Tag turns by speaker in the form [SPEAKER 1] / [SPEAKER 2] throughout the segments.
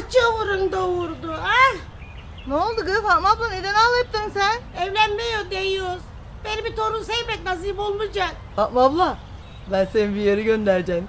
[SPEAKER 1] Çavurun doğurdu. Ah!
[SPEAKER 2] Ne oldu kız Fatma abla, neden ağlayıptın sen?
[SPEAKER 1] Evlenmiyor diyoruz. Benim bir torun sevmek nasip olmayacak.
[SPEAKER 2] Fatma abla, ben seni bir yere göndereceğim.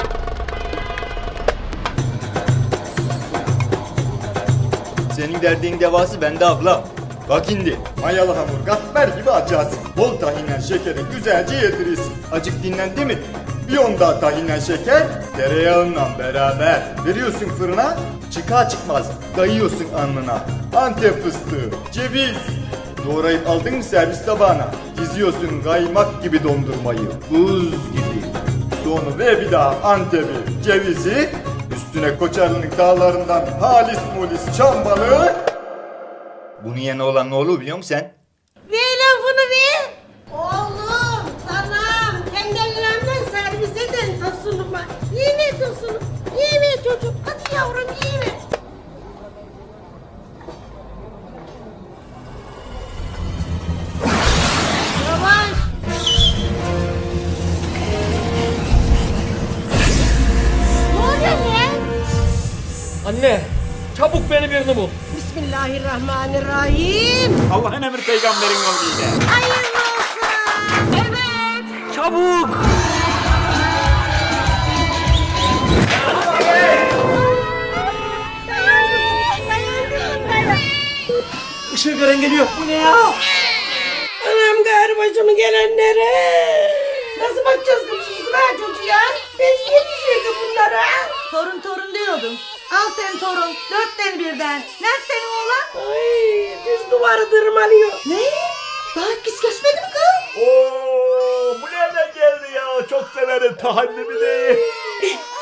[SPEAKER 3] Senin derdin devası bende ablam. Bak şimdi mayalı hamur katmer gibi açarsın. Bol tahinle şekeri güzelce yedirirsin. Acık dinlendi mi? Bir on daha tahinle şeker tereyağınla beraber veriyorsun fırına. Çıkar çıkmaz dayıyorsun alnına. Antep fıstığı, ceviz. Doğrayıp aldın mı servis tabağına? Diziyorsun kaymak gibi dondurmayı. Buz gibi. Sonra ve bir daha Antep'i, cevizi. Üstüne Koçarlı'nın dağlarından halis mulis çam balığı. Bunun yerine olan ne olur biliyor musun sen?
[SPEAKER 1] Ver lafını ver. Oğlum, sanam. Kendi ellerimden servis edin tosunuma. Yeme tosunu. Yeme çocuk. Hadi yavrum yeme. Yavaş. Ne oluyor lan?
[SPEAKER 4] Anne, çabuk beni birini bul.
[SPEAKER 1] Bismillahirrahmanirrahim.
[SPEAKER 5] Allah'ın emri peygamberin yoluyla.
[SPEAKER 1] Hayırlı olsun. Evet.
[SPEAKER 4] Çabuk!
[SPEAKER 1] Dayan.
[SPEAKER 4] Işığı gören geliyor. Bu ne ya?
[SPEAKER 1] Anam gayrı başımı gelenlere. Nasıl bakacağız kızım ha çocuğa? Biz yetişirdik bunlara.
[SPEAKER 2] Torun diyordum. Al sen torun, 4 tane birden. Nerede senin oğlan?
[SPEAKER 1] Ay düz duvarı tırmalıyor.
[SPEAKER 2] Ne? Daha hiç geçmedi mi kız?
[SPEAKER 5] Oo, bu nereden geldi ya? Çok severim tahallimi değil.